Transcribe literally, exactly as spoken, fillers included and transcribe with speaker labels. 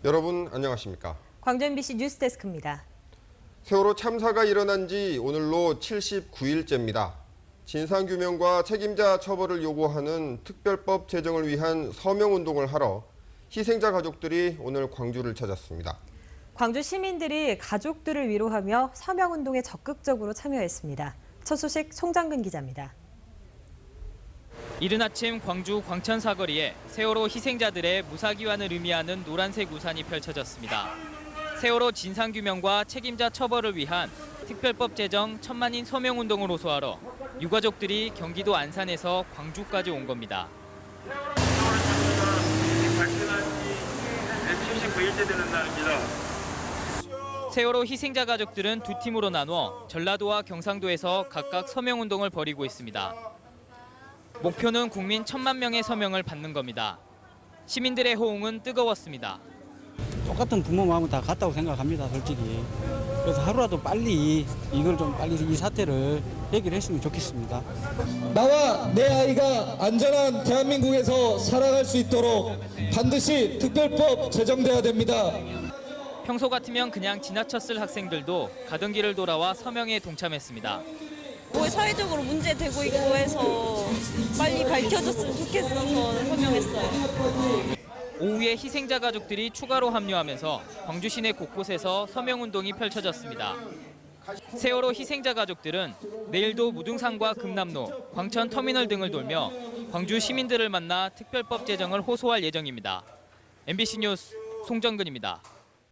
Speaker 1: 여러분 안녕하십니까?
Speaker 2: 광주 엠비씨 뉴스데스크입니다.
Speaker 1: 세월호 참사가 일어난 지 오늘로 칠십구 일째입니다. 진상규명과 책임자 처벌을 요구하는 특별법 제정을 위한 서명운동을 하러 희생자 가족들이 오늘 광주를 찾았습니다.
Speaker 2: 광주 시민들이 가족들을 위로하며 서명운동에 적극적으로 참여했습니다. 첫 소식 송장근 기자입니다.
Speaker 3: 이른 아침 광주 광천 사거리에 세월호 희생자들의 무사기환을 의미하는 노란색 우산이 펼쳐졌습니다. 세월호 진상규명과 책임자 처벌을 위한 특별법 제정 천만인 서명운동을 호소하러 유가족들이 경기도 안산에서 광주까지 온 겁니다.
Speaker 4: 칠십구 일째 되는 날입니다.
Speaker 3: 세월호 희생자 가족들은 두 팀으로 나눠 전라도와 경상도에서 각각 서명운동을 벌이고 있습니다. 목표는 국민 천만 명의 서명을 받는 겁니다. 시민들의 호응은 뜨거웠습니다.
Speaker 5: 똑같은 부모 마음은 다 같다고 생각합니다, 솔직히. 그래서 하루라도 빨리 이걸 좀 빨리 이 사태를 해결했으면 좋겠습니다.
Speaker 6: 나와 내 아이가 안전한 대한민국에서 살아갈 수 있도록 반드시 특별법 제정돼야 됩니다.
Speaker 3: 평소 같으면 그냥 지나쳤을 학생들도 가던 길을 돌아와 서명에 동참했습니다.
Speaker 7: 뭐 사회적으로 문제되고 있고 해서 빨리 밝혀졌으면 좋겠어서 서명했어요.
Speaker 3: 오후에 희생자 가족들이 추가로 합류하면서 광주 시내 곳곳에서 서명운동이 펼쳐졌습니다. 세월호 희생자 가족들은 내일도 무등산과 금남로, 광천 터미널 등을 돌며 광주 시민들을 만나 특별법 제정을 호소할 예정입니다. 엠비씨 뉴스 송정근입니다.